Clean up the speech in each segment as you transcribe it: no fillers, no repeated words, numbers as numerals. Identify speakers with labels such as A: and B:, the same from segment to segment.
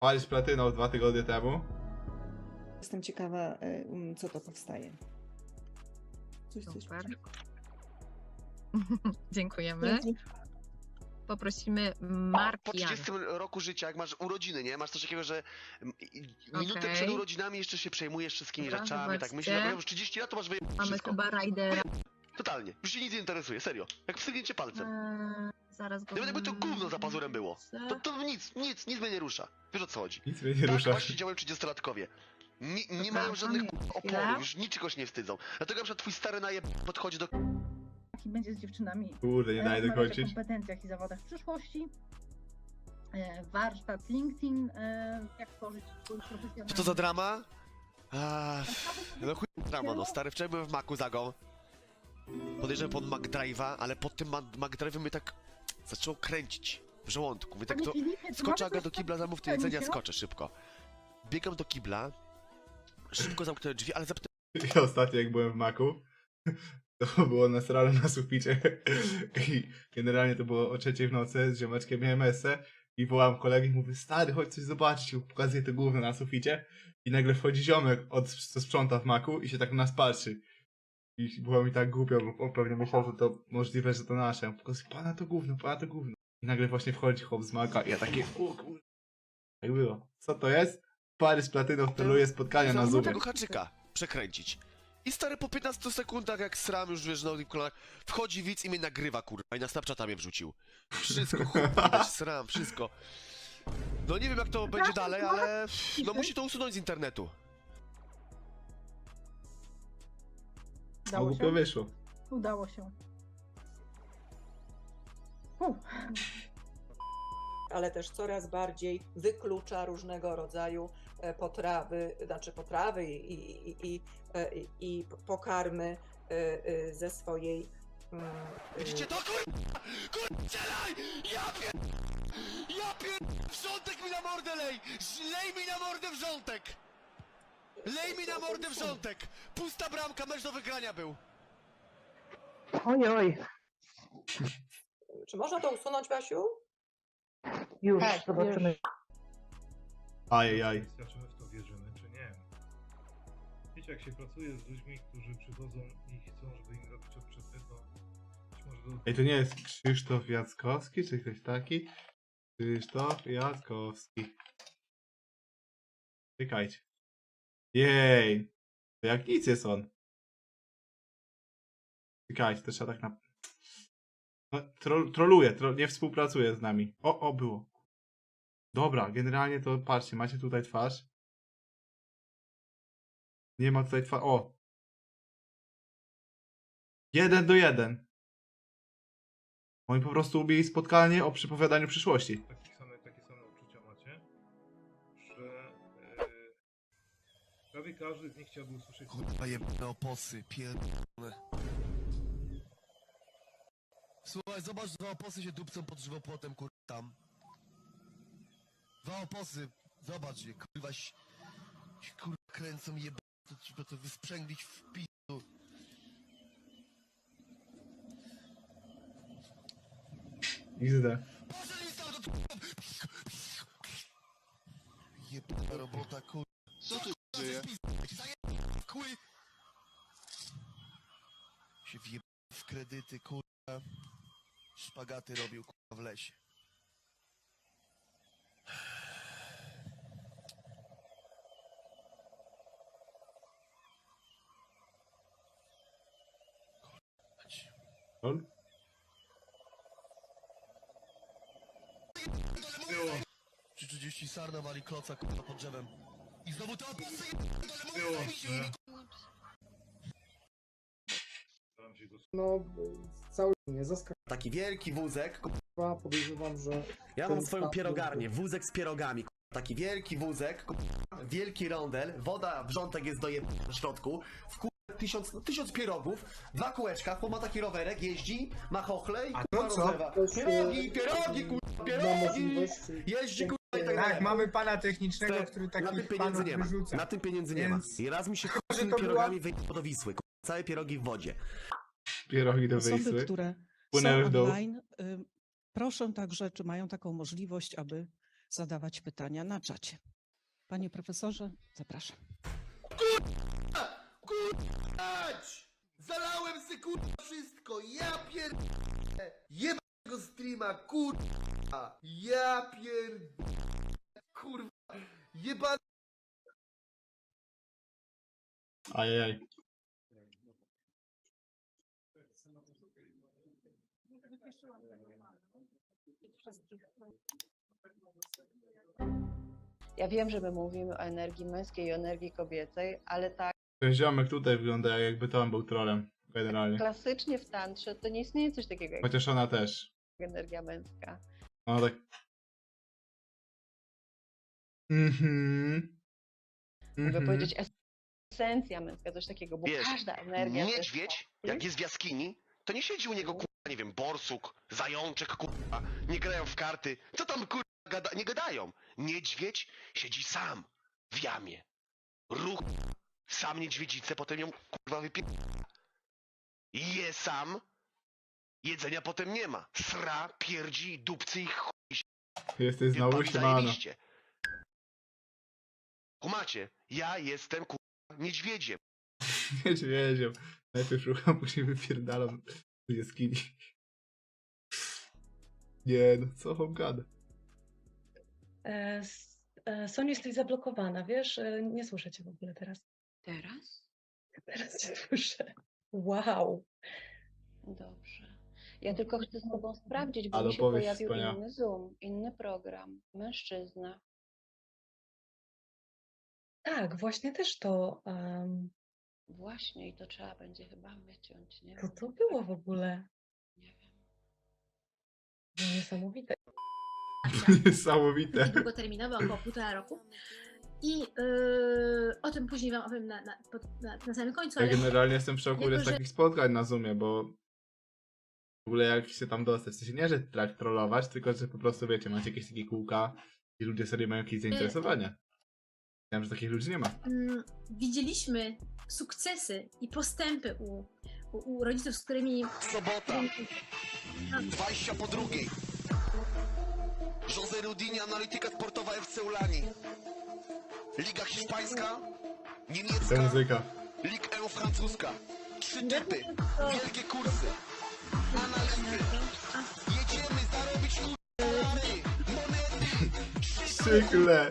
A: Palisz platyną 2 tygodnie temu.
B: Jestem ciekawa, co to powstaje. Coś
C: Super.
B: coś.
C: Dziękujemy. Poprosimy
D: Po
C: Markian.
D: 30 roku życia, jak masz urodziny, nie? Masz coś takiego, że minutę
C: Okej.
D: przed urodzinami jeszcze się przejmujesz wszystkimi
C: Dobra,
D: rzeczami, tak
C: zobaczcie.
D: myślisz, jak już 30 lat, to masz wyjebane
C: Mamy
D: wszystko.
C: chyba Raidera.
D: Totalnie. Już się nic nie interesuje, serio. Jak wsygnięcie palcem.
C: Zaraz go...
D: Nawet jakby to gówno za pazurem było. To nic mnie nie rusza. Wiesz o co chodzi.
A: Nic mnie nie
D: Tak
A: rusza.
D: właśnie działają 30-latkowie. Nie mają żadnych
C: chwilę.
D: oporów, już niczego się nie wstydzą. Dlatego na przykład twój stary najeb podchodzi do...
E: Jaki będzie z dziewczynami.
A: Kurde, nie daje
E: Rozmawiać o
A: dokończyć.
E: kompetencjach i zawodach w przyszłości. Warsztat LinkedIn, jak tworzyć swój profesjonalny...
D: Co to za drama? No chuj drama, no. Stary, wczoraj byłem w Macu Zagą. Podejrzewam pod McDrive'a, ale pod tym McDrive'em mnie tak zaczęło kręcić w żołądku. Mówię tak,
E: Panie
D: to
E: Filipie, czy
D: skoczę
E: mamy
D: Aga
E: coś
D: do kibla, zamów to
E: takiego,
D: jedzenie,
E: się?
D: skoczę szybko. Biegam do kibla, szybko zamknąłem drzwi, ale zapytałem,
A: Ja ostatnio jak byłem w Macu, to było nasrane na suficie i generalnie to było o 3 w nocy, z ziomeczkiem miałem esę i wołałem kolegę i mówię, stary, chodź coś zobaczyć, i pokazuję to gówno na suficie i nagle wchodzi ziomek, co sprząta w Macu i się tak na nas patrzy. I było mi tak głupio, bo on pewnie myślał, że to możliwe, że to nasze. Pokazuję, pana to gówno, pana to gówno. I nagle właśnie wchodzi chłop z Maca i ja takie, o kurde. Tak było. Co to jest? Pary z platyną celuje spotkania na
D: zamów
A: Zoomie.
D: tego haczyka przekręcić. I stary po 15 sekundach, jak sram już wiesz, na tym kolanach, wchodzi widz i mnie nagrywa, kurwa, i na Snapchata mnie wrzucił. Wszystko, kurwa, sram, wszystko. No nie wiem jak to będzie dalej, ale no musi to usunąć z internetu.
E: Udało
A: Głupio
E: się?
A: wyszło.
E: Udało się.
F: Ale też coraz bardziej wyklucza różnego rodzaju potrawy i pokarmy ze swojej.
D: Widzicie to, kurwa? Kurwa, strzelaj! Ja wrzątek mi na mordę lej! Lej mi na mordę wrzątek! Lej mi na mordę wrzątek! Pusta bramka, mecz do wygrania był!
G: Oj,
F: Czy można to usunąć, Basiu?
G: już
E: Tak,
G: zobaczymy.
A: Ajajaj.
H: Czy my w to wierzymy, czy nie? Wiecie, jak się pracuje z ludźmi, którzy przychodzą i chcą, żeby im robić odczyty, to być może do...
A: Ej, to nie jest Krzysztof Jackowski, czy ktoś taki? Krzysztof Jackowski. Czekajcie. Jej. To jak nic jest on. Czekajcie, to trzeba tak na... No, troluje, nie współpracuje z nami. O, było. Dobra, generalnie to patrzcie, macie tutaj twarz. Nie ma tutaj twarz. O! 1:1. Oni po prostu ubili spotkanie o przepowiadaniu przyszłości.
H: Takie same uczucia macie, że prawie każdy z nich chciałby usłyszeć...
D: Kurwa jebane oposy, pierdolone. Słuchaj, zobacz, dwa oposy się dupcą pod żywopłotem, kurwa, tam. Dwa oposy, zobacz je, kurwa, kurwa, kręcą jebane, to trzeba to wysprzęglić w pisu.
A: XD.
D: Jebana robota, kurwa. Co tu dzieje? Się wjeb w kredyty, kurwa. Szpagaty robił, kurwa, w lesie.
A: Lol.
H: Było,
D: 3:30 sarna wali kloca, kurwa, pod drzewem. I znowu to oposy,
H: było, że... Staram się go
I: No, cały mnie zaskoczyła.
J: Taki wielki wózek.
I: Podejrzewam, że
J: Ja
I: ten
J: mam swoją
I: staw
J: pierogarnię,
I: był-
J: wózek z pierogami. Taki wielki wózek, wielki rondel, woda, wrzątek jest w środku. W 1000 pierogów, 2 kółeczka, chłop ma taki rowerek, jeździ, ma chochle i kurwa rozlewa.
I: Ktoś,
J: Pierogi, kurwa,
I: ma
J: pierogi!
I: możliwość...
J: Jeździ, kurwa, i tak
I: Tak,
J: dalej.
I: mamy pana technicznego,
J: Te-
I: który
J: Na tym
I: takich
J: pieniędzy
I: panów
J: nie ma.
I: wyrzuca.
J: Na tym pieniędzy nie ma.
I: Więc-
J: I raz mi się
I: że
J: z tymi
I: to była-
J: pierogami wyjechał do Wisły. Całe pierogi w wodzie.
A: Pierogi do
K: Osoby,
A: Wisły.
K: które
A: Płynęły
K: są
A: w dół.
K: online, proszę także, czy mają taką możliwość, aby
B: zadawać pytania na czacie. Panie profesorze, zapraszam.
J: Kurwać! Zalałem se kurwa wszystko, ja pierdolę! Jebnego streama, kurwa! Ja pierdolę! Kurwa! Jebany...
A: Ajajaj.
G: Ja wiem, że my mówimy o energii męskiej i o energii kobiecej, ale tak
A: Ten ziomek tutaj wygląda jakby to on był trolem. Generalnie.
G: klasycznie w tantrze to nie istnieje coś takiego jak
A: Chociaż ona też.
G: energia męska.
A: No tak.
G: Mogę powiedzieć esencja męska, coś takiego, bo
D: Wiesz,
G: każda energia... to jest
D: Niedźwiedź, jak jest w jaskini, to nie siedzi u niego, kurwa, nie wiem, borsuk, zajączek, kurwa, nie grają w karty. Co tam, kurwa, nie gadają? Niedźwiedź siedzi sam w jamie. Ruch, sam niedźwiedzicę, potem ją, kurwa, je sam, jedzenia potem nie ma. Sra, pierdzi, dupcy i chuj się.
A: Jesteś znowu
D: Pan
A: siemano.
D: zajebiście. Kumacie, ja jestem, kurwa, niedźwiedziem.
A: Niedźwiedziem. Najpierw szukam, później wypierdalam do jaskini. Nie no, co on gada?
K: Soniu, jesteś zablokowana, wiesz? Nie słyszę cię w ogóle teraz.
G: Teraz?
K: Teraz cię słyszę. Wow.
G: Dobrze. Ja tylko chcę z tobą sprawdzić, bo
A: Ale
G: mi się
A: powiedz
G: pojawił
A: wspaniale.
G: inny Zoom, inny program. Mężczyzna.
K: Tak, właśnie też to...
G: Właśnie i to trzeba będzie chyba wyciąć, nie?
K: Co to było w ogóle?
G: Nie wiem.
K: No, niesamowite.
A: Niesamowite.
C: Długoterminowy, około 1,5 roku. I o tym później wam opowiem na samym końcu,
A: Ja
C: ale
A: generalnie jestem w szoku
C: jako,
A: z
C: że-
A: takich spotkań na Zoomie, bo w ogóle jak się tam dostać, w sensie nie, że trollować, tylko że po prostu wiecie, macie jakieś takie kółka i ludzie sobie mają jakieś zainteresowania. Wiem, że takich ludzi nie ma.
C: widzieliśmy sukcesy i postępy u rodziców, z którymi...
D: Sobota, 20 po drugiej. José Rudini, analityka sportowa FC Ulani. Liga hiszpańska,
A: Ta
D: niemiecka,
A: muzyka.
D: Ligue 1 francuska. 3 typy, wielkie kursy. Analizy. Jedziemy zarobić dolary, monety.
A: Szykle.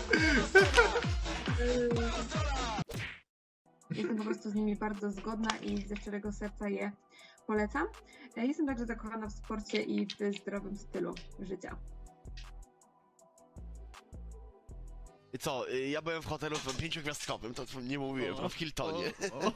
K: Jestem po prostu z nimi bardzo zgodna i ze szczerego serca je polecam. Jestem także zakochana w sporcie i w zdrowym stylu życia.
D: Co, ja byłem w hotelu 5-gwiazdkowym, to nie mówiłem, to w Hiltonie.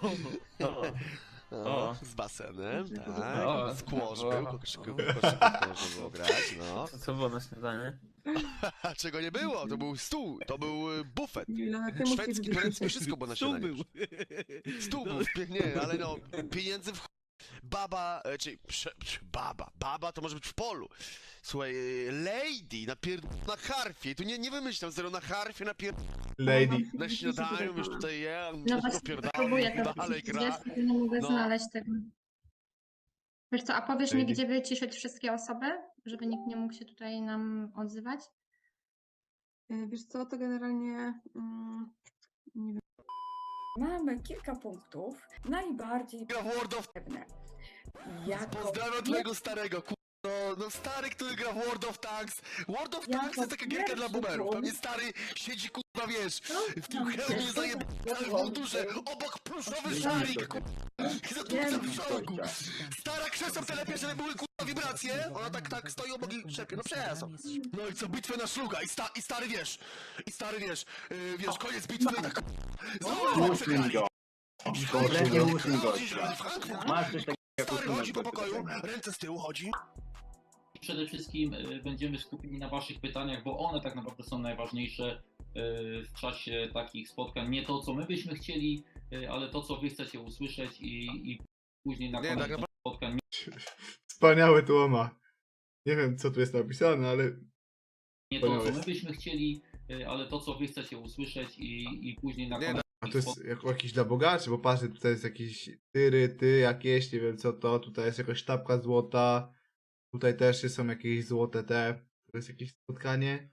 D: O, z basenem, tak, squash był, koszyku było grać, no.
I: Co było na śniadanie?
D: A czego nie było? To był stół, to był bufet.
K: Milena, ty
D: Szwedzki, turecki, wszystko było na śniadanie. Stół był, nie, ale no, pieniędzy w baba, baba to może być w polu. Słuchaj, lady na harfie, tu nie wymyślam, zero na harfie,
A: Lady.
D: na śniadaniu, już tutaj je,
C: No właśnie, próbuję to
D: dalej gra.
C: nie mogę
D: No.
C: znaleźć tego. Wiesz co, a powiesz mi,
A: Lady.
C: gdzie wyciszyć wszystkie osoby, żeby nikt nie mógł się tutaj nam odzywać?
K: Wiesz co, to generalnie nie wiem.
E: Mamy kilka punktów, najbardziej
D: Gra w World of...
E: pewne. Jako
D: Pozdrawiam twojego starego, no stary, który gra w World of Tanks. World of
E: Jako
D: Tanks jest taka gierka dla
E: pierwszy
D: boomerów.
E: punkt.
D: Pewnie stary siedzi, kurwa, wiesz, w tym
E: Tam
D: hełmie
E: się
D: zajebanym w mundurze, obok pluszowy szalik, kurwa. I za
E: Wiem,
D: w szalku. Stara krzesła telepie, żeby były, kurwa, wibracje. Ona tak stoi obok i szepie, no przepraszam. No i co, bitwę na szluga i stary wiesz, wiesz, koniec bitwy i tak, znowu przegrali.
I: Kompletnie uszli go.
D: Masz coś takiego, stary chodzi po pokoju, ręce z tyłu chodzi.
L: Przede wszystkim będziemy skupieni na Waszych pytaniach, bo one tak naprawdę są najważniejsze w czasie takich spotkań. Nie to, co my byśmy chcieli, ale to, co Wy chcecie usłyszeć i później na koniec
D: tak
L: spotkań.
A: Wspaniały tłoma. Nie wiem, co tu jest napisane, ale
L: Nie to, co my byśmy chcieli, ale to, co Wy chcecie usłyszeć i później na koniec.
A: a to jest jakiś dla bogaczy, bo patrzę, tutaj jest jakiś ty jakieś, nie wiem co to, tutaj jest jakaś sztabka złota, tutaj też są jakieś złote te, to jest jakieś spotkanie.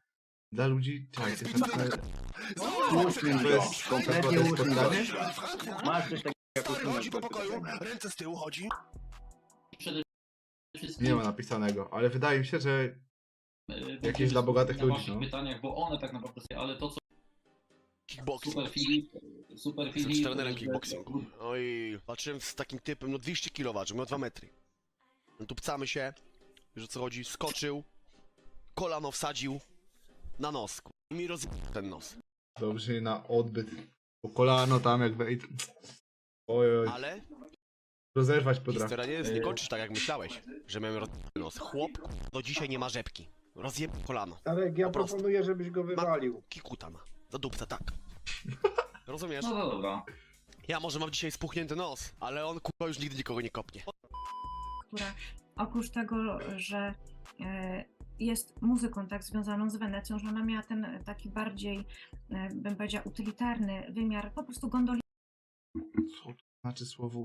A: Dla ludzi... Czekaj, to
I: Uśmień
A: to
I: go.
A: jest
I: Kompletnie
A: to
I: uśmień go.
A: spotkanie?
I: Masz coś takiego jak
D: Stary chodzi
I: uśmiech.
D: po pokoju, ręce z tyłu chodzi.
L: Przede wszystkim
A: Nie ma napisanego, ale wydaje mi się, że
L: będziemy
A: jakieś dla bogatych
L: skupieni na
A: ludzi,
L: waszych
A: no.
L: pytaniach, bo one tak naprawdę są, ale to co
D: Kickboxing.
L: Super
D: Jestem
L: Filip,
D: trenerem kickboxingu. Oj, walczyłem z takim typem, no 200 kg ważył, miał 2 metry. No tu pcamy się, wiesz o co chodzi, skoczył, kolano wsadził na nos, i mi ten nos.
A: dobrze na odbyt. Po kolano tam jak wejdę. Oj,
D: Ale
A: rozerwać potrafi.
D: historia nie kończy tak jak myślałeś, że miałem nos. Chłop do dzisiaj nie ma rzepki. Rozjeb kolano.
H: Tarek,
D: ja Po prostu.
H: proponuję, żebyś go wywalił.
D: Kikuta ma. Do dupca, tak. Rozumiesz?
L: No dobra.
D: Ja może mam dzisiaj spuchnięty nos, ale on kurwa już nigdy nikogo nie kopnie.
K: która oprócz tego, że jest muzyką tak związaną z Wenecją, że ona miała ten taki bardziej, bym powiedziała, utylitarny wymiar, po prostu gondoli.
A: Co to znaczy słowo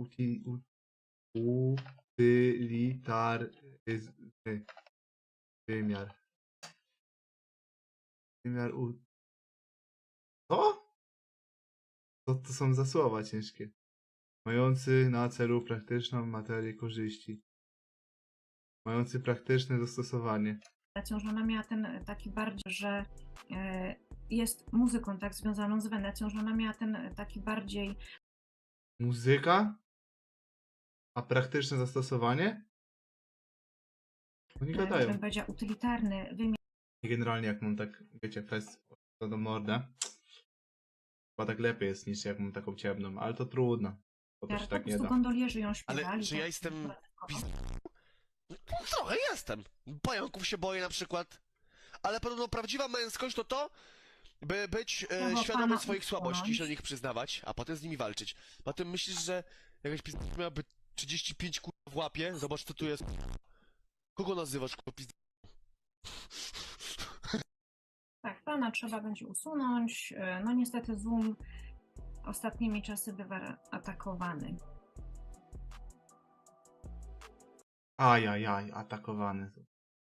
A: utylitarny wymiar? Wymiar Co? Co to są za słowa ciężkie? Mający na celu praktyczną materię korzyści. Mający praktyczne zastosowanie.
K: Że ona miała ten taki bardziej, że jest muzyką tak związaną z Wenecją, że ona miała ten taki bardziej.
A: Muzyka? A praktyczne zastosowanie? Oni gadają.
K: Bym powiedziała, utylitarny wymiar.
A: I generalnie jak mam tak, wiecie, fest do mordę, chyba tak lepiej jest niż jak mam taką ciemną, ale to trudno. Bo to się
K: Po
A: tak nie
K: prostu
A: da.
K: gondolierzy ją śpiewali.
D: Ale czy
K: tak,
D: ja jestem
K: dodatkowo.
D: No, trochę jestem. Pająków się boję na przykład. Ale podobno prawdziwa męskość to, by być
K: Słowo
D: świadomym
K: pana
D: swoich słabości,
K: usunąć.
D: się do nich przyznawać, a potem z nimi walczyć. Potem myślisz, że jakaś pizda miałaby 35 kurwa w łapie? Zobacz co tu jest. Kogo nazywasz kurwa pizda?
K: Tak, pana trzeba będzie usunąć. No niestety Zoom ostatnimi czasy bywa atakowany.
A: Ajajaj, atakowany.